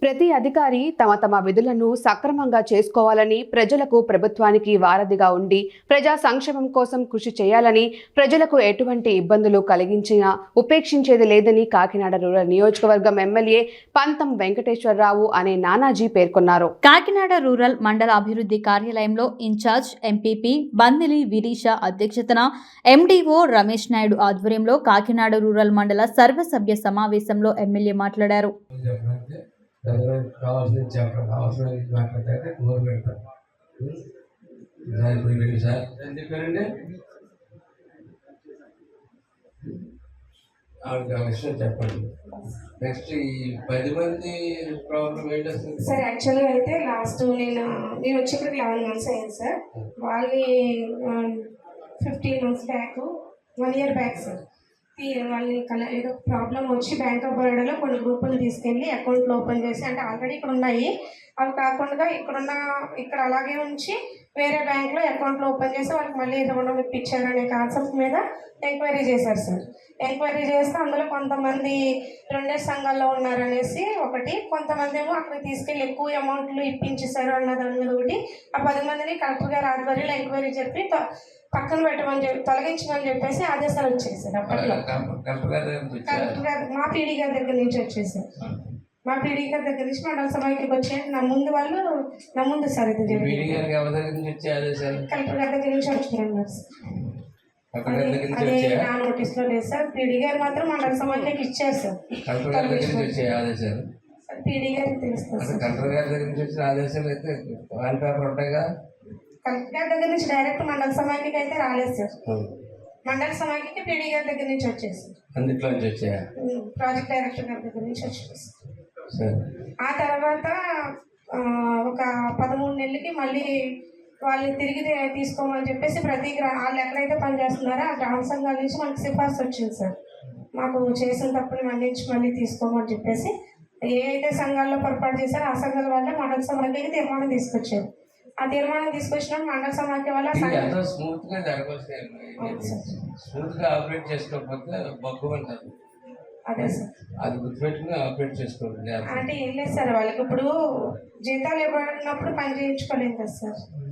ప్రతి అధికారి తమ తమ విధులను సక్రమంగా చేసుకోవాలని, ప్రజలకు ప్రభుత్వానికి వారధిగా ఉండి ప్రజా సంక్షేమం కోసం కృషి చేయాలని, ప్రజలకు ఎటువంటి ఇబ్బందులు కలిగించినా ఉపేక్షించేది లేదని కాకినాడ రూరల్ నియోజకవర్గం ఎమ్మెల్యే పంతం వెంకటేశ్వరరావు అనే నానాజీ పేర్కొన్నారు. కాకినాడ రూరల్ మండల అభివృద్ధి కార్యాలయంలో ఇన్ఛార్జ్ ఎంపీపీ బందిలి విరీష అధ్యక్షతన ఎండీఓ రమేష్ నాయుడు ఆధ్వర్యంలో కాకినాడ రూరల్ మండల సర్వసభ్య సమావేశంలో ఎమ్మెల్యే మాట్లాడారు. కావాల్సిన చెప్పడం అవసరం మాట్లాడితే టూర్ పెడతారు ఇప్పుడు వెళ్ళి సార్ ఏం చెప్పారండి ఆవిడకి ఆ విషయం చెప్పండి. నెక్స్ట్ ఈ 10 మంది ప్రాబ్లం ఏంటి వస్తుంది సార్? యాక్చువల్గా అయితే లాస్ట్ నేను వచ్చేప్పటికి 11 months అయ్యింది సార్. వాళ్ళని 15 months back 1 year back sir వాళ్ళని ఏదో ప్రాబ్లం వచ్చి బ్యాంక్ ఆఫ్ బరోడాలో కొన్ని గ్రూపులు తీసుకెళ్ళి అకౌంట్లు ఓపెన్ చేసి, అంటే ఆల్రెడీ ఇక్కడ ఉన్నాయి అవి కాకుండా ఇక్కడ అలాగే ఉంచి వేరే బ్యాంక్లో అకౌంట్లు ఓపెన్ చేసి వాళ్ళకి మళ్ళీ రుణం ఇప్పించారు అనే కాన్సెప్ట్ మీద ఎంక్వైరీ చేశారు సార్. ఎంక్వైరీ చేస్తే అందులో కొంతమంది రెండే సంఘాల్లో ఉన్నారనేసి ఒకటి, కొంతమంది ఏమో అక్కడికి తీసుకెళ్ళి ఎక్కువ అమౌంట్లు ఇప్పించేశారు అన్న దాని మీద ఒకటి. ఆ 10 మందిని కలెక్టర్ గారు ఆధ్వర్యంలో ఎంక్వైరీ చెప్పి పక్కన పెట్టమని చెప్పి తొలగించమని చెప్పేసి ఆదేశాలు వచ్చేసారు. అప్పట్లో కలెక్టర్ గారు మా పీడీ గారి దగ్గర నుంచి వచ్చేసారు. మా పీడీ గారి దగ్గర నుంచి మండల సభకి వచ్చే నా ముందు సార్ ఇది కలెక్టర్ గారి దగ్గర నుంచి వచ్చినారు సార్. అదే నా నోటీస్లో లేదు సార్. పీడీ గారు మాత్రం మండల సభకి ఇచ్చారు సార్. పీడీ గారికి తెలుస్తుంది సార్. కలెక్టర్ గారి దగ్గర నుంచి వచ్చిన ఆదేశాలు అయితే వాల్ పేపర్ ఉంటాయిగా. కలెక్టర్ గారి దగ్గర నుంచి డైరెక్ట్ మండల సమాఖ్యకి అయితే రాలేదు సార్. మండల సమాఖ్యకి పీడీ గారి దగ్గర నుంచి వచ్చేసి అందులో నుంచి వచ్చాయా ప్రాజెక్ట్ డైరెక్టర్ గారి దగ్గర నుంచి వచ్చేసి ఆ తర్వాత ఒక 13 నెలలకి మళ్ళీ వాళ్ళని తిరిగి తీసుకోమని చెప్పేసి ప్రతి వాళ్ళు ఎక్కడైతే పనిచేస్తున్నారో ఆ గ్రామ సంఘాల నుంచి మనకి సిఫార్సు వచ్చింది సార్. మాకు చేసిన తప్పుని మన్నించి మళ్ళీ తీసుకోమని చెప్పేసి ఏ అయితే సంఘాల్లో పొరపాటు చేశారో ఆ సంఘాల వల్ల మండల సమాఖ్యకి తీర్మానం తీసుకొచ్చారు. ఆ తీర్మానం తీసుకొచ్చిన మండల సమాఖ్య వల్ల స్మూత్ గా జరగవచ్చు. స్మూత్ గా ఆపరేట్ చేసుకోకపోతే బగ్గు అంటారు. అదే సార్, అది గుర్తుపెట్టుకుని ఆపరేట్ చేసుకోండి. అంటే ఏం లేదు సార్, వాళ్ళకి ఇప్పుడు జీతాలు ఇవ్వనప్పుడు పని చేయించుకోలేదు కదా సార్.